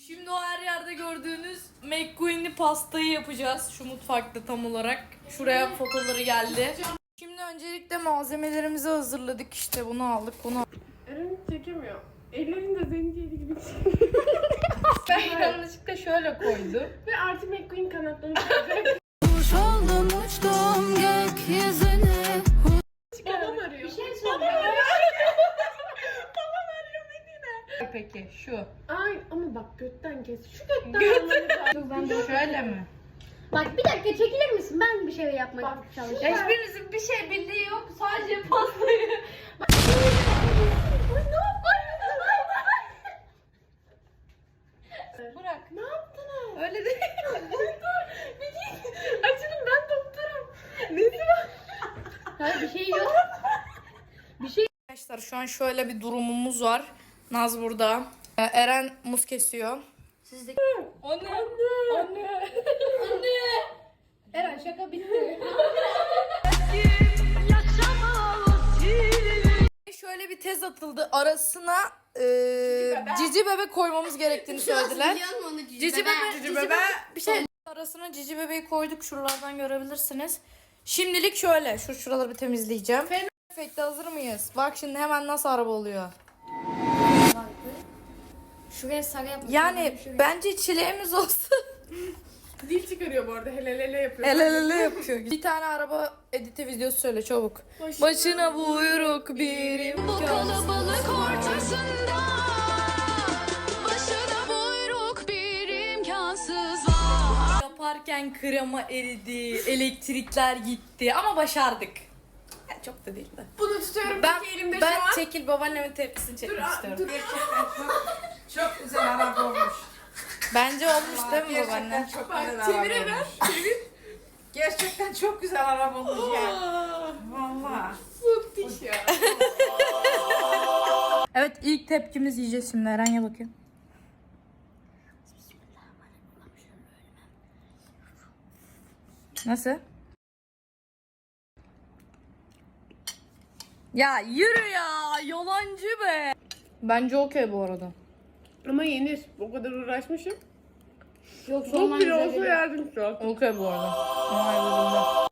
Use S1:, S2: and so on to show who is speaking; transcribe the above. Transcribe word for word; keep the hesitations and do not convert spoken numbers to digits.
S1: Şimdi o her yerde gördüğünüz McQueen'li pastayı yapacağız. Şu mutfakta tam olarak. Şuraya fotoları geldi. Şimdi öncelikle malzemelerimizi hazırladık. İşte bunu aldık, bunu aldık.
S2: Eren çekemiyor. Ellerinde zenciyeli gibi.
S1: Ben yanlışlıkla şöyle koydum.
S2: Ve artık McQueen kanatlarını çıkacak.
S3: Kuş oldum uçtum gökyüzüne.
S2: Babam arıyor.
S3: Bir şey
S2: Babam
S3: söyle.
S2: arıyor. Babam arıyor Medine.
S1: Peki şu.
S2: Ay ama bak götten kes. Şu götten
S1: Götten.
S2: almanı
S1: Ben de şöyle mi?
S4: Bak bir dakika çekilir misin? Ben bir şey yapmak
S2: Bak,
S4: çalışıyorum.
S1: Hiçbirinizin bir şey bildiği yok. Sadece pastayı. Bırak.
S2: Ne yaptınız?
S1: Öyle değil.
S2: Açılın ben doktorum. Nesi var?
S4: Hayır bir şey yok.
S1: Arkadaşlar şu an şöyle bir durumumuz var. Naz burada. Ee, Eren muz kesiyor.
S4: Siz de...
S1: Anne. Anne. Anne. Anne.
S4: Eren şaka bitti.
S1: Şöyle bir tez atıldı. Arasına e, cici bebe koymamız gerektiğini söylediler.
S4: Biliyor musun onu cici,
S1: Cici bebe, cici bebe bir
S4: şey.
S1: şey. Arasına cici bebeği koyduk. Şuralardan görebilirsiniz. Şimdilik şöyle. Şu şuraları bir temizleyeceğim. Efekte hazır mıyız? Bak şimdi hemen nasıl araba oluyor.
S4: Şuraya sarı yapmak.
S1: Yani bence çileğimiz olsun.
S2: Dil çıkarıyor bu arada. Hele hele yapıyor.
S1: El ele ele yapıyor. Bir tane araba editi videosu söyle çabuk. Başına buyruk bir imkan.
S3: Kalabalık ortasında başına buyruk bir imkansız var.
S1: Yaparken krema eridi, elektrikler gitti ama başardık. Yani çok da değil de.
S2: Bunu tutuyorum
S1: Ben,
S2: iki elimde
S1: ben
S2: şu an.
S1: çekil babaannemin tepkisini çekmek
S2: Dur,
S1: istiyorum.
S2: dur.
S5: Çok güzel araba olmuş.
S1: Bence olmuş değil mi
S5: Gerçekten
S1: babaanne?
S5: çok
S2: Bak
S5: güzel
S2: çevire
S5: araba
S2: ver.
S5: olmuş. Gerçekten çok güzel araba olmuş ya. Vallahi.
S2: Müthiş ya.
S1: Evet ilk tepkimiz yiyeceğiz şimdi. Eren ye bakayım. Nasıl? Ya yürü ya. Yalancı be. Bence okey bu arada.
S2: Ama yenir. O kadar uğraşmışım.
S4: Yok
S2: Çok
S4: sorman
S2: bile
S4: güzel
S2: olsa
S4: geliyor.
S2: yerdim şu an.
S1: Okey bu arada. Ay,